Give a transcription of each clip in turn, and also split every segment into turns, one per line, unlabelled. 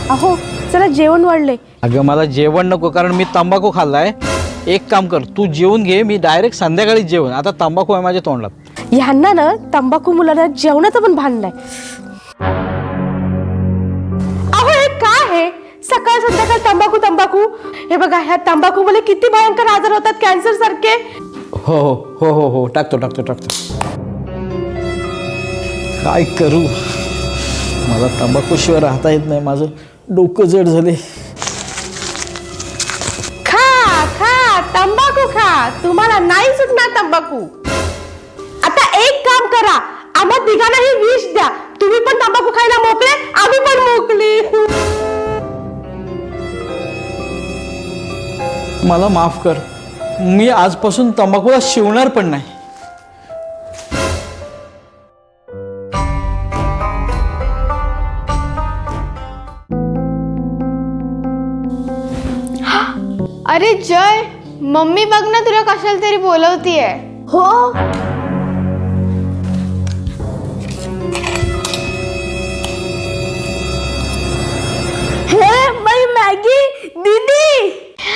अहो चला जेवण वाढले.
अगं मला जेवण नको, कारण मी तंबाखू खाल्लाय. एक काम कर, तू जेवून घे, मी डायरेक्ट संध्याकाळी जेवण. आता तंबाखू आहे माझ्या तोंडात.
ह्यांना ना तंबाखू मुलांना जेवणाचं पण भान नाही. अहो हे काय आहे, सकाळ संध्याकाळ तंबाखू तंबाखू. हे बघा ह्या तंबाखू मुळे किती भयंकर आजार होतात, कॅन्सर सारखे.
हो हो हो हो हो टाकतो टाकतो टाकतो. काय करू, मला तंबाखूशिवाय राहता येत नाही. माझं डोकं जड झाले.
खा खा तंबाखू खा, तुम्हाला नाही सुटणार तंबाखू. आता एक काम करा, आम्हा तिघांनाही विष द्या. तुम्ही पण तंबाखू खायला मोकळे, आम्ही पण मोकली.
मला माफ कर, मी आजपासून तंबाखूला शिवणार पण नाही.
अरे जय, मम्मी बघ ना तुला कशाला तरी बोलवतीये.
हो हे बाई मॅगी दीदी.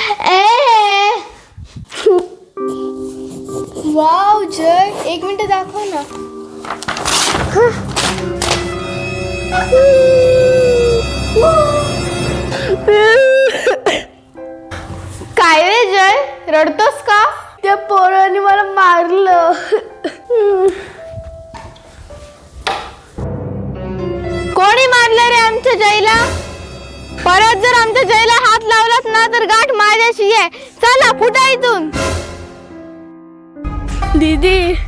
वाव जय, एक मिनिट दाखव ना. काय रे जय, रडतोस का?
त्या पोराने मला मारलं.
कोणी मारलं रे आमच्या जयला? परत जर आमच्या जयला हात लावलास ना तर गाठ माझ्याशी आहे. चला फुटा इथून.
दीदी